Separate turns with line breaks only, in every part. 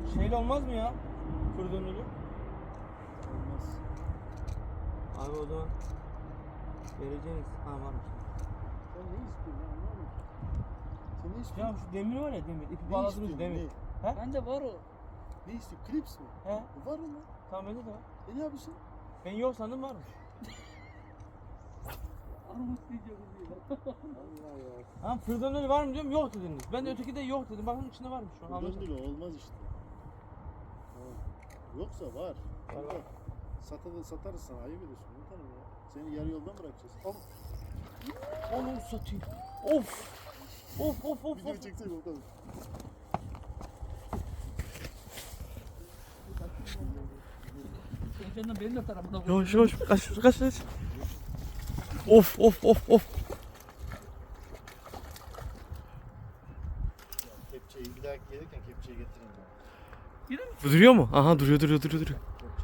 Şeyle olmaz mı ya? Fırdönlülü.
Olmaz.
Abi o zaman vereceğiniz. Ha varmış.
Sen ne istiyorsun ya anlamadım. Sen ne
Ya
istiyorsun?
şu demir var ya demir. İpi
Ne
bağladığımız
istiyorsun?
demir.
Ne?
He?
Bende var o.
Ne istiyorsun? Klips mi?
He?
Var mı?
Tamam bende de var.
Ne yapıyorsun?
Ben yok sandım varmış.
Armut diyeceğim diye.
Allah ya.
Ha fırdönlülü var mı diyorum yok dediniz. Ben de öteki de yok dedim. Bakın içinde varmış şu an. Anlaşıldı.
Döndürü olmaz işte. Tamam. Yoksa var.
Var.
Satarız sana. Ayıp ediyorsun. Unutalım ya. Seni yarı yoldan bırakacağız. Al.
Onu satayım. Of. Of of of
Video
of.
çeksene bakalım.
Senden benim de tarafına koy.
Yavaş yavaş kaç. Of of of of.
Kepçeyi bir dahaki gelirken kepçeyi getirin ya.
Yine mi?
Bu duruyor mu? Aha duruyor.
Kepçeyi getirin ya.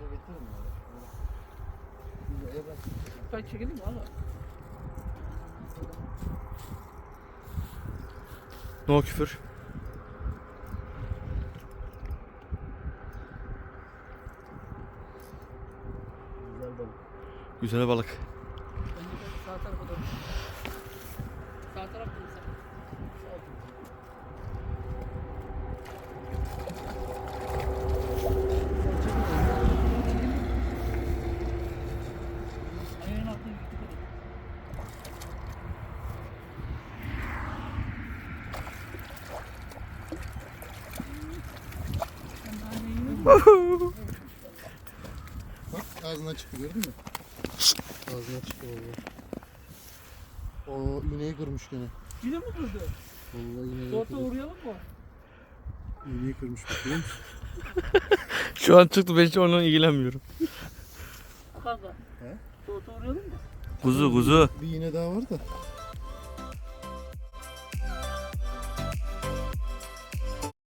Ben çekelim mi valla?
No küfür.
Güzel balık.
Güzel balık.
Ben de sağ tarafa doğru. Sağ taraf mı sen? Ayağın altına gittik hadi. Sen daha ne yiyorsun?
Bak ağzına çıktı gördün mü? Ağzına çıktı vallahi. O iğneyi kırmış gene.
Yine mi kırdı?
Vallahi iğneyi
Orta
kırmış.
uğrayalım mı?
İğneyi kırmış bak görüyor musun?
Şu an çıktı ben hiç onunla ilgilenmiyorum.
Kanka.
He?
Orta uğrayalım mı?
Kuzu.
Bir iğne daha var da.